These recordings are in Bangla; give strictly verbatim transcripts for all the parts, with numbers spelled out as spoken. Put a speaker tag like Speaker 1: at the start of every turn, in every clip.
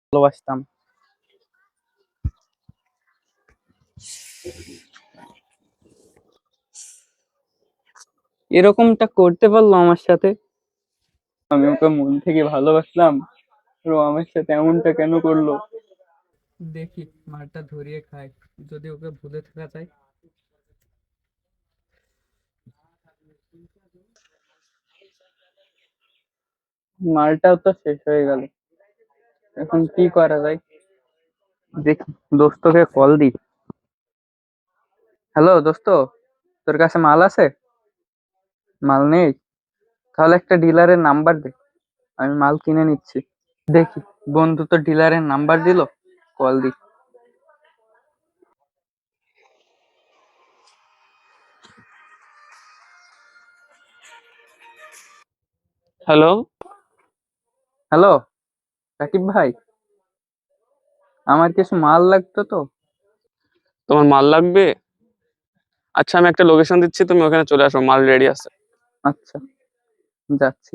Speaker 1: ভালোবাসতাম। এরকমটা করতে পারলো আমার সাথে? আমি ওকে মন থেকে ভালোবাসলাম, ও আমার সাথে এমনটা কেন করলো? দেখি মারটা ধরিয়ে খাই, যদি ওকে ভুলে থাকা যায়। মালটাও তো শেষ হয়ে গেল, এখন কি করা যায়? দেখি দোস্তকে কল দি। হ্যালো দোস্ত, তোর কাছে মাল আছে? মাল নেই? তাহলে একটা ডিলারের নাম্বার দে, আমি মাল কিনে নিচ্ছি। দেখি, বন্ধু তো ডিলারের নাম্বার দিল, কল দি।
Speaker 2: হ্যালো।
Speaker 1: হ্যালো রাকিব ভাই, আমার কিছু মাল লাগতো তো।
Speaker 2: তোমার মাল লাগবে? আচ্ছা, আমি একটা লোকেশন দিচ্ছি, তুমি ওখানে চলে আসো, মাল রেডি আছে।
Speaker 1: আচ্ছা, যাচ্ছি।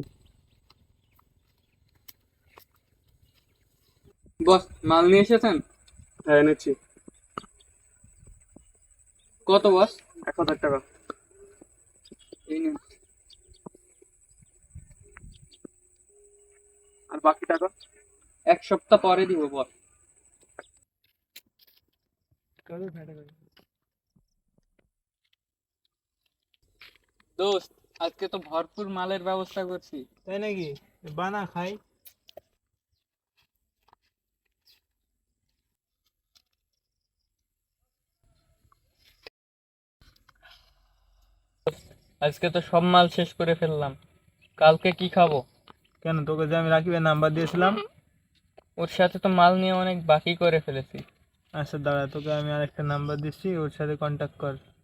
Speaker 1: বস, মাল নিয়ে এসেছেন?
Speaker 2: হ্যাঁ, এনেছি।
Speaker 1: কত বস?
Speaker 2: এক হাজার টাকা।
Speaker 1: এই নিন।
Speaker 2: আর বাকি টাকা?
Speaker 1: এক সপ্তাহ পরে দিব বস। দোস্ত, আজকে তো ভরপুর মালের ব্যবস্থা করছি।
Speaker 3: তাই নাকি? বানা খাই।
Speaker 1: আজকে তো সব মাল শেষ করে ফেললাম, কালকে কি খাবো?
Speaker 3: কেন, তোকে যে আমি রাকিবের নাম্বার দিয়েছিলাম?
Speaker 1: ওর সাথে তো মাল নিয়ে অনেক বাকি করে ফেলেছি।
Speaker 3: আচ্ছা দাঁড়া, তোকে আমি আরেকটা নাম্বার দিচ্ছি, ওর সাথে কন্ট্যাক্ট কর।